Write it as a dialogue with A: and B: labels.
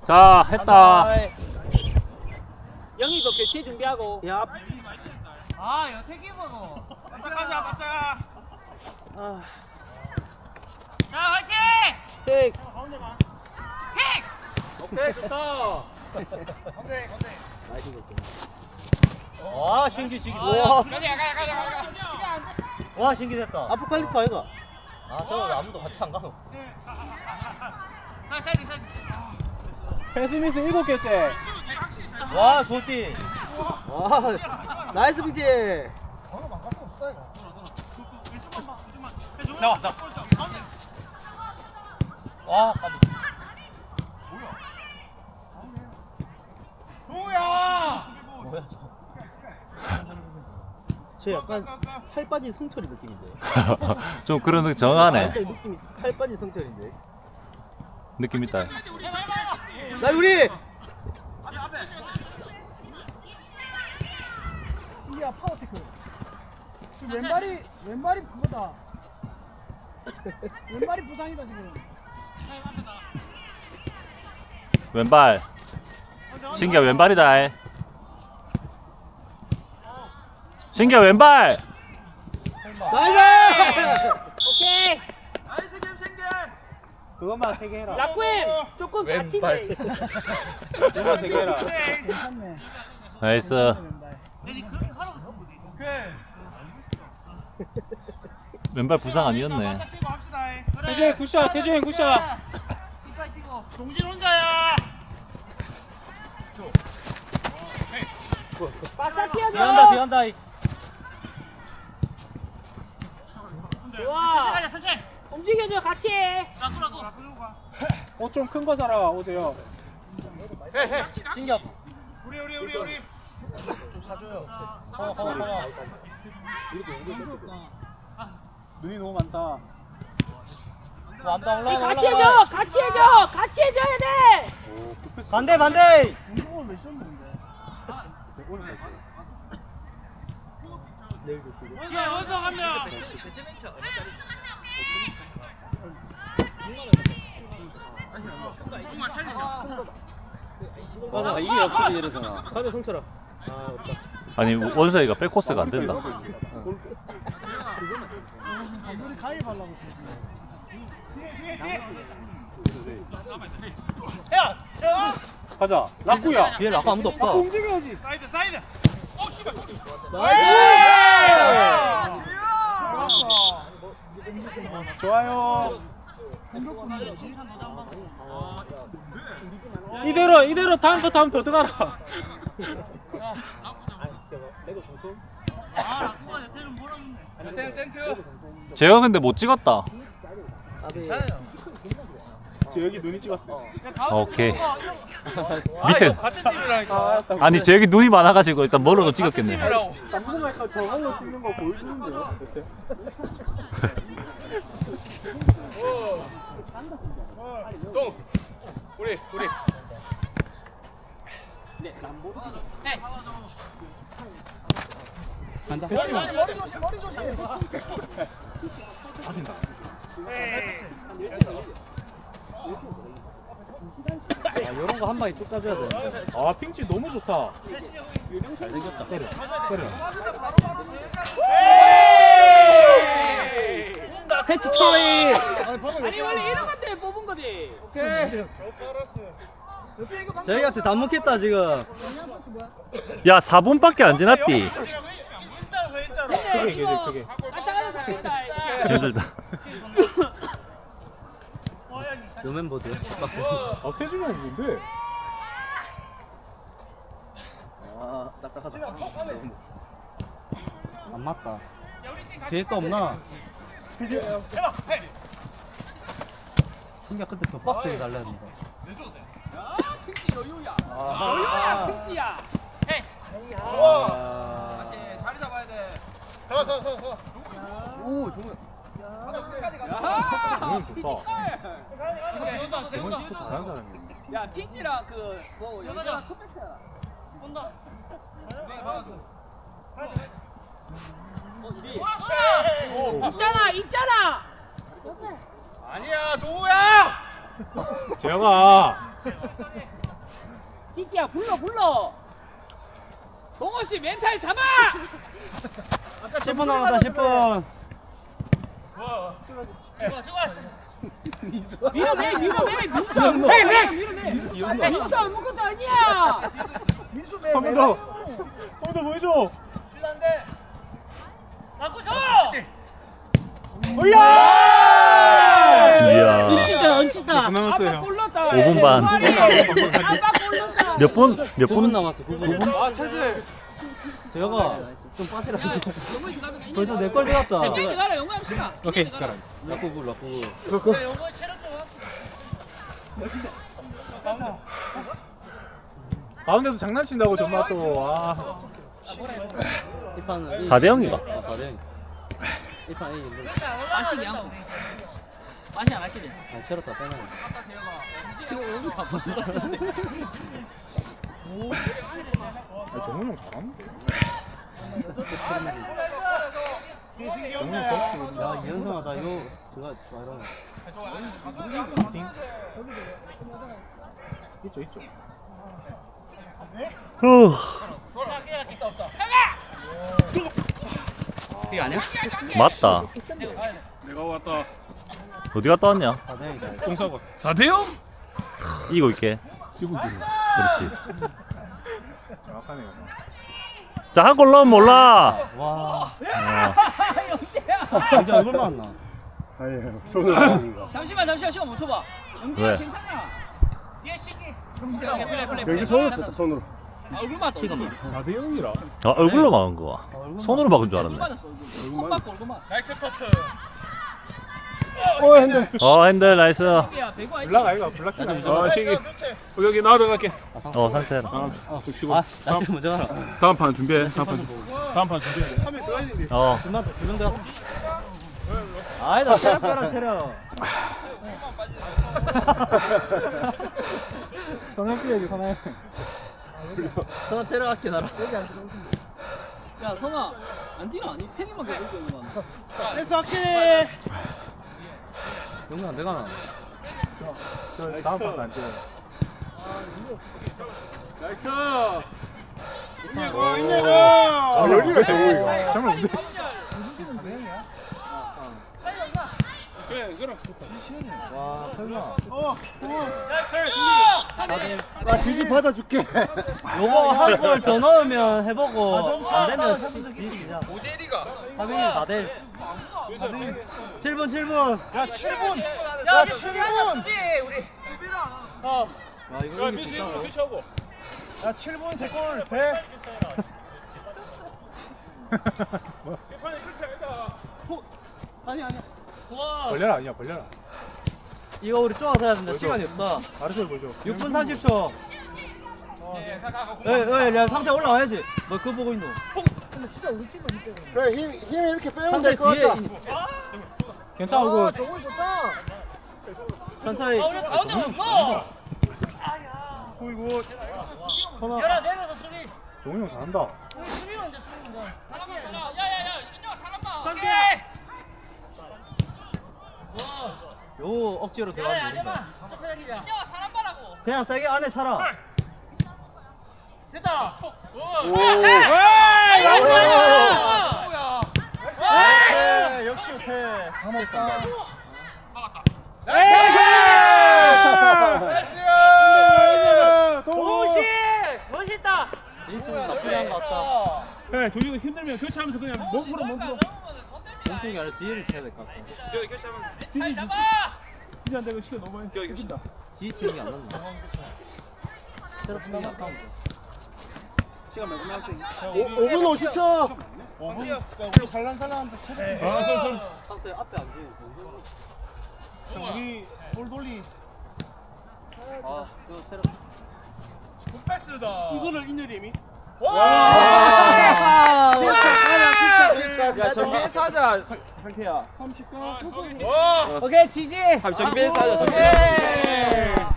A: 자, 했다.
B: 영희도 교체 준비하고.
C: 야.
D: 아, 여태기 먹어. 맞자 가자, 맞자.
C: 아.
D: 자, 화이팅!
C: 땡.
D: 킥!
B: 오케이, 좋다.
C: 와, 신기 지기.
D: 와.
C: 와.
D: 가자.
C: 와, 신기 됐다. 아포칼립스 아이가? 아, 저 아무도 같이 안 가노.
D: 자, 사이드.
B: 패스미스 7개째.
C: 와, 좋지. 와, 나이스 빙지.
D: 나와.
C: 와, 까비.
D: 뭐야?
C: 뭐야, 저. 저 약간 살 빠진 성철이 느낌인데.
A: 좀 그런 느낌 정하네.
C: 완전 느낌이 살 빠진 성철인데.
A: 느낌 있다.
C: 나 우리.
E: 이야 파워테크. 지금 왼발이 그거다. 왼발이 부상이다 지금.
A: 왼발. 신기야 왼발이다. 신기야 왼발.
C: 나이스!
B: 오케이.
D: 나이스 게임 생겨.
C: 그것만 3개 해라.
B: 라쿠엠 조금 다친데.
C: 그것만 3개 해라.
E: 괜찮네.
A: 나이스.
E: 왼발.
D: 오케이.
A: 왼발 부상 아니었네.
B: 태준 굿샷, 태준 굿샷.
D: 동진 혼자야.
B: 바짝 뛰어줘.
C: 뒤한다.
B: 좋아.
D: 천천히.
B: 움직여줘, 같이 해.
D: 라쿠.
B: 좀 큰 거 사라, 오세요.
C: 신기하.
D: 우리.
C: 좀 사줘요.
B: 눈이 너무 많다.
C: 올라가.
B: 같이 해줘야 돼.
C: 반대.
E: 운동을 왜 썼는데?
D: 원서 한 명.
C: 맞아, 이게 역습이 이러잖아. 가자, 성철아. 아, 없다.
A: 아니 원서이가 백코스가 안 된다.
E: 우리 가입하려고
D: 야.
B: 가자. 라쿠야.
C: 뒤에 라고 아무도 없다.
E: 움직여야지.
D: 사이드.
B: 좋아요.
E: 공격권은 뭐지?
B: 이대로 다음 더 들어가라.
D: 아, 라쿠가 여태는 몰았는데. 땡큐.
A: 제가 근데 못 찍었다.
B: 저 여기 눈이 찍었어.
A: 오케이. 밑에.
D: 같은 팀이라니까.
A: 아니 저 여기 눈이 많아가지고 일단 멀어도 찍었겠네.
B: 남궁할까 저걸로 찍는 거 보여주는데요?
D: 동. 우리.
B: 간다.
E: 머리 조심.
C: 아, 이런 거 한 방에 쭉 짜줘야 돼.
B: 아 핑치 너무 좋다.
C: 잘생겼다. 때려. 패치 트로이.
B: 아니 원래 이런 것 때문에 뽑은 거지.
C: 저희한테 다 먹겠다 지금.
A: 야 4분밖에 안 지났디.
B: 크게 이거 안타까워서 죽겠다.
A: 힘들다.
C: 요 멤버들.
B: 아 태준이 형 뭔데?
C: 아, 딱딱하다. 안 맞다. 뒤에 거 없나? 신기하 근데 더 빡세게 달려야 된다.
B: 여유야, 핑치야.
D: 자리 잡아야 돼.
C: 오, 정말.
B: 야,
A: 좋다.
D: 잘하는
A: 사람이야.
B: 야 핑치랑 그뭐 여자랑 투패스야.
D: 온다.
B: 있잖아.
D: 아니야, 노우야.
A: 재영아.
B: 핑키야 불러. 동호 씨 멘탈 잡아.
C: 10분 남았다 10분.
B: 밀어내. 민수 아무것도 아니야.
E: 민수
B: 한 번 더
E: 보여줘.
A: 이야.
C: 얹힌다.
B: 아빠 골랐다.
A: 5분 반.
B: 아빠 골랐다.
A: 몇 분? 몇
C: 9분
A: 분?
C: 남았어 9분.
B: 아 철수.
C: 재혁아 좀 빠지라.
B: 야 영광이 가면
C: 벌써 내걸 들어갔다.
B: 땡땡이 가라 영광 씨가.
C: 오케이 가라. 라꾸부.
B: 가운데서 장난친다고 정말 또. 아.
C: 1판은
A: 4대 0인가?
C: 4대 0. 1판 A 인데.
B: 맛이 양. 맛이 안 할게.
C: 아 채렸다 빼놔.
B: 정훈 형 잘하는데.
C: 야 이현성아 나 이거 제가 말하는.
B: 있죠.
A: 후.
C: 이게 아니야?
A: 맞다.
B: 내가 왔다.
A: 어디 갔다 왔냐?
C: 4대 0이다.
B: 똥 싸고. 4대0?
A: 이기고 있게.
B: 지금
A: 그렇지.
B: 정확하네요.
A: 자, 한 골 넣으면 몰라.
C: 와.
A: 어.
C: 진짜 얼굴 많나?
E: 아예 손을 아닌가.
B: 잠시만 시간 멈춰봐.
A: 왜?
B: 괜찮아. 얘 시기.
E: 여기 손을 썼다 손으로.
B: 얼굴 맞다. 지금.
E: 4대0이라.
A: 아, 얼굴로 막은 거야. 손으로 막은 줄
B: 얼굴
A: 알았네.
B: 맞았어. 손 맞고 얼굴 맞. 나이스 패스.
E: 핸들.
A: 핸들 나이스.
B: 야 배구 아니지?
E: 블락 아이가 블락.
B: 아 시기. 여기 나도 갈게.
A: 상태라.
C: 나 지금 먼저 가라.
B: 다음 판 준비해. 다음 판 준비해.
C: 금방 두명 들어갔어. 아니다 체력 빼라 체력.
E: 성형 피해야지 성형.
C: 너 체력 할게 나라.
B: 야 성아 안 뛰나? 니 팬이만 계속 뛰는 거야.
C: 댄스 할게. 영훈아 내가 나.
E: 저 다음 판안 찍어.
B: 나이스.
E: 아 여기가 대우이가.
B: 정말 뭔데?
C: 와 설마.
E: 나 지지 받아줄게.
C: 요거 한 골 더 넣으면 해보고 안 되면 지지자.
E: 오재리가.
C: 4대 7분.
E: 야 7분. 야 7분.
C: 와 이거 이길 수 있다.
E: 야 7분 3골 돼.
B: 아니.
E: 벌려라 아니야 벌려라.
C: 이거 우리 쪼아서 해야 된다. 시간이 없다.
E: 알았어 보여줘.
C: 6분 30초. 야 상태 올라와야지. 너 그거 보고 있노?
E: 그래 힘 이렇게 빼면
C: 상태
E: 될 것
C: 뒤에
E: 같다.
C: 괜찮아
E: 아
C: 그거
E: 저거 좋다.
C: 천천히.
B: 우리 가운데 없어.
E: 어이구.
B: 열아 내려서 수비.
E: 종훈이 형 잘한다.
B: 사람. 야야야 윤영아 사람 봐.
C: 요 억지로 들어가면 모른다.
B: 윤영아 사람 봐라고.
C: 그냥 세게 안에 차라.
B: 됐다.
E: 오.
B: 뭐야?
E: 역시 못해. 다 먹었다.
B: 동시 멋있다.
C: 진짜 나쁘지 않은 것 같다.
B: 그래 조지고 힘들면 교체하면서 그냥 몸으로.
C: 몸통이 아니라 지혜를 쳐야 될 것 같아.
B: 잘 잡아.
E: 진짜 안 되고 시간 너무 많이
C: 지혜 치는 게 안 난다. 체력 충이 약하면 돼.
E: 5분 50초. 5분 살랑살랑한데 체력.
C: 상태 앞에 안 돼.
E: 우리 돌돌리.
C: 아 그거 체력.
B: 패스다.
E: 이거를 인여림이.
C: 와!
E: 야
C: 정비해서
E: 하자 상태야. 30분.
B: 오케이 지지.
C: 정비해서 하자.
B: 오케이.